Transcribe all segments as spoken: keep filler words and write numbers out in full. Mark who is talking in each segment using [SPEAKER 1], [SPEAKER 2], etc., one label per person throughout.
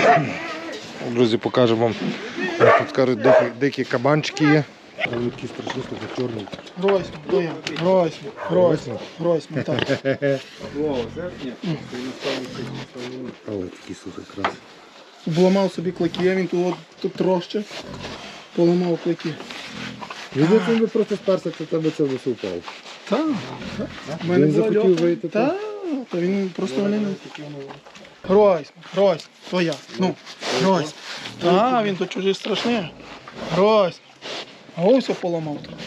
[SPEAKER 1] Друзі, покажемо вам. Тут кажуть, дикі, дикі кабанчики є. Вони такі страшні, що чорні.
[SPEAKER 2] Гройсман, то я. Гройсман, Гройсман, Гройсман, так.
[SPEAKER 1] Але такі слухай крас.
[SPEAKER 2] Обламав собі клики, він тут, тут троще. Поламав клики.
[SPEAKER 1] Він це би просто сперся, це тебе це все впав.
[SPEAKER 2] Так.
[SPEAKER 1] Він захотів вийти.
[SPEAKER 2] Так, то він просто мене не... Гройсман, Гройсман, то я. Ну, Гройсман. Так, він тут чужий страшний. Гройсман. А ось все поламав тут.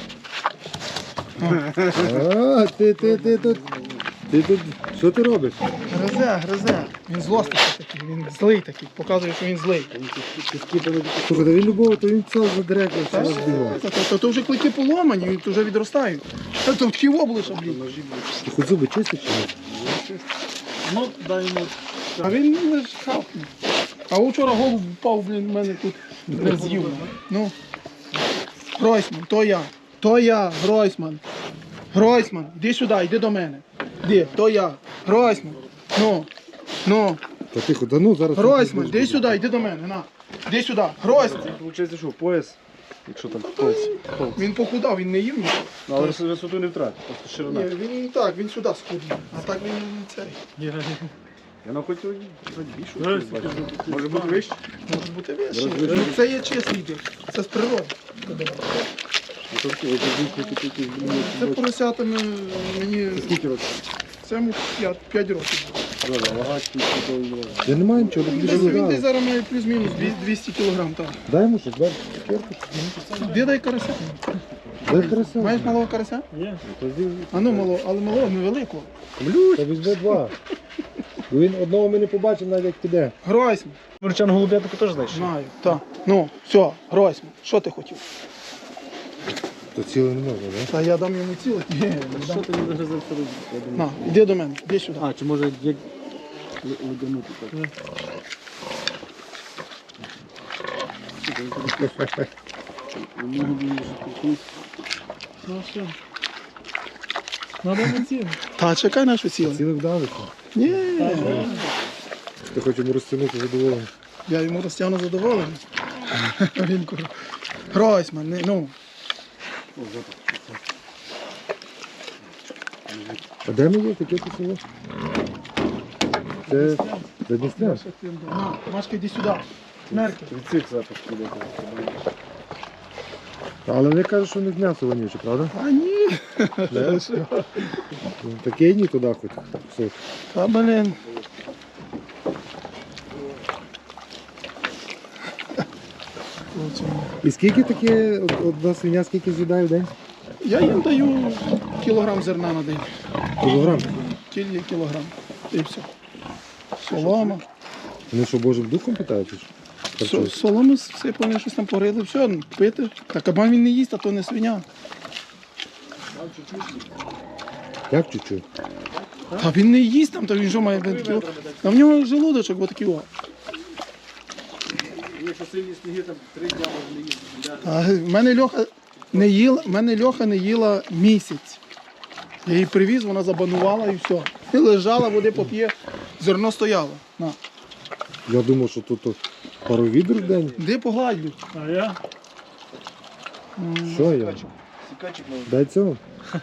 [SPEAKER 1] А, ти, ти, ти тут. Ти тут, що ти робиш?
[SPEAKER 2] Гризе, гризе. Він злостний такий, він злий такий, показує, що він злий.
[SPEAKER 1] Слухай, та він любого, то він це задерекав, все розбігав.
[SPEAKER 2] То, то, то вже клики поламані, він вже відростають. Та то такі обличчя, блін.
[SPEAKER 1] Ти хоч зуби чистиш чи ні?
[SPEAKER 2] Ну, дай йому. А він не хапнув. А вчора голуб впав, блін, в мене тут не з'їв. Ну. Гройсман, то я. То я, Гройсман. Гройсман, іди сюди, йди до мене. Іди, то я. Гройсман. Ну. Ну.
[SPEAKER 1] Та тихо, да ну зараз.
[SPEAKER 2] Гройсман, іди сюди, йди до мене, на. Іди сюди. Гройсман.
[SPEAKER 3] Виходить, що пояс, якщо там повз.
[SPEAKER 2] Він похудав, він не їв нічого.
[SPEAKER 3] Ну, але висоту не втратив, просто ширина.
[SPEAKER 2] Ні, він так, він сюди схудів. А так він не цей.
[SPEAKER 3] Я на хоч більшу. Може бути вище?
[SPEAKER 2] Може бути вище. Ну, це є чесний дик. Це з природи. Це поросятами мені.
[SPEAKER 3] Скільки років?
[SPEAKER 2] Це йому п'ять років.
[SPEAKER 1] Я не маю нічого,
[SPEAKER 2] Він
[SPEAKER 1] тобі
[SPEAKER 2] десь, він десь
[SPEAKER 1] дали.
[SPEAKER 2] зараз має плюс-мінус двісті кілограм. Так.
[SPEAKER 1] Дай йому щось, дай цукерку.
[SPEAKER 2] Де дай карася?
[SPEAKER 1] Дай карася.
[SPEAKER 2] Маєш малого карася?
[SPEAKER 3] Ні.
[SPEAKER 2] А ну малого, але малого невеликого.
[SPEAKER 1] Та візьми два. Бо він одного ми не побачимо, навіть як піде.
[SPEAKER 2] Гройсман.
[SPEAKER 3] Мурчан голубятку теж знаєш?
[SPEAKER 2] Знаю. Так. Ну, все, Гройсман. Що ти хотів?
[SPEAKER 1] То ціле не можна, так?
[SPEAKER 2] Та я дам йому ціле. Ні, не
[SPEAKER 3] Що
[SPEAKER 2] дам.
[SPEAKER 3] ти не загризав вторую?
[SPEAKER 2] На, іди до мене, іди сюди.
[SPEAKER 3] А, чи може як ледянути так?
[SPEAKER 2] Ну все. Надо на ціле. Та чекай нашу ціле.
[SPEAKER 1] Ціле вдалося.
[SPEAKER 2] Ні,
[SPEAKER 1] Ти хочеш йому розтягнути задоволення.
[SPEAKER 2] я йому розтягну задоволений. Він каже, Гройсман, не, ну.
[SPEAKER 1] А де ми є? Таке це село? Це Дністря.
[SPEAKER 2] На, Машка, йди сюди. Мерки.
[SPEAKER 3] Від цих запах піде.
[SPEAKER 1] Але вони кажуть, що не м'ясо вонюче, правда?
[SPEAKER 2] А ні.
[SPEAKER 1] Таке ні туди хоч. Все.
[SPEAKER 2] Та, блин.
[SPEAKER 1] І скільки таке, од- одна свиня, скільки з'їдає в день?
[SPEAKER 2] Я їм даю кілограм зерна на день.
[SPEAKER 1] Кілограм.
[SPEAKER 2] Кілька кілограм. І все. Солома.
[SPEAKER 1] Вони що, Божим духом питають? чи що?
[SPEAKER 2] Со-
[SPEAKER 1] Харчують?
[SPEAKER 2] Соломи сипали, щось там порили, все, пити. Та кабан він не їсть, а то не свиня.
[SPEAKER 1] Як чуть-чуть?
[SPEAKER 2] Та він не їсть там, то він що має кіло. Та в нього желудочок отакий о.
[SPEAKER 3] Якщо сильні сніги, там три дня може не їсти.
[SPEAKER 2] А в мене Льоха не їла, в мене Льоха не їла місяць. Я її привіз, вона забанувала і все. І лежала, води поп'є, зерно стояло. На.
[SPEAKER 1] Я думав, що тут пару відер в день.
[SPEAKER 2] Де погладлю? А я?
[SPEAKER 1] Що я?
[SPEAKER 3] Сікачик може.
[SPEAKER 1] Дай цього.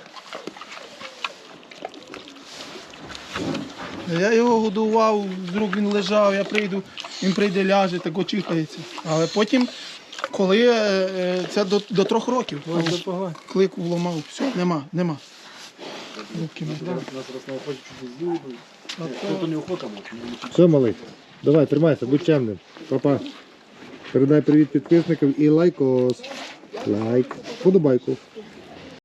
[SPEAKER 2] Я його годував, з рук він лежав, я прийду, він прийде, ляже, так очихається. Але потім, коли е, це до, до трьох років, клик вломав, все, нема, нема. Руки мої.
[SPEAKER 3] У нас раз на охоті чуть не з'їли. Тут у нього охота може.
[SPEAKER 1] Все, малий. Давай, тримайся, будь чемним. Папа. Передай привіт підписникам і лайкос. Лайк. Подобайку.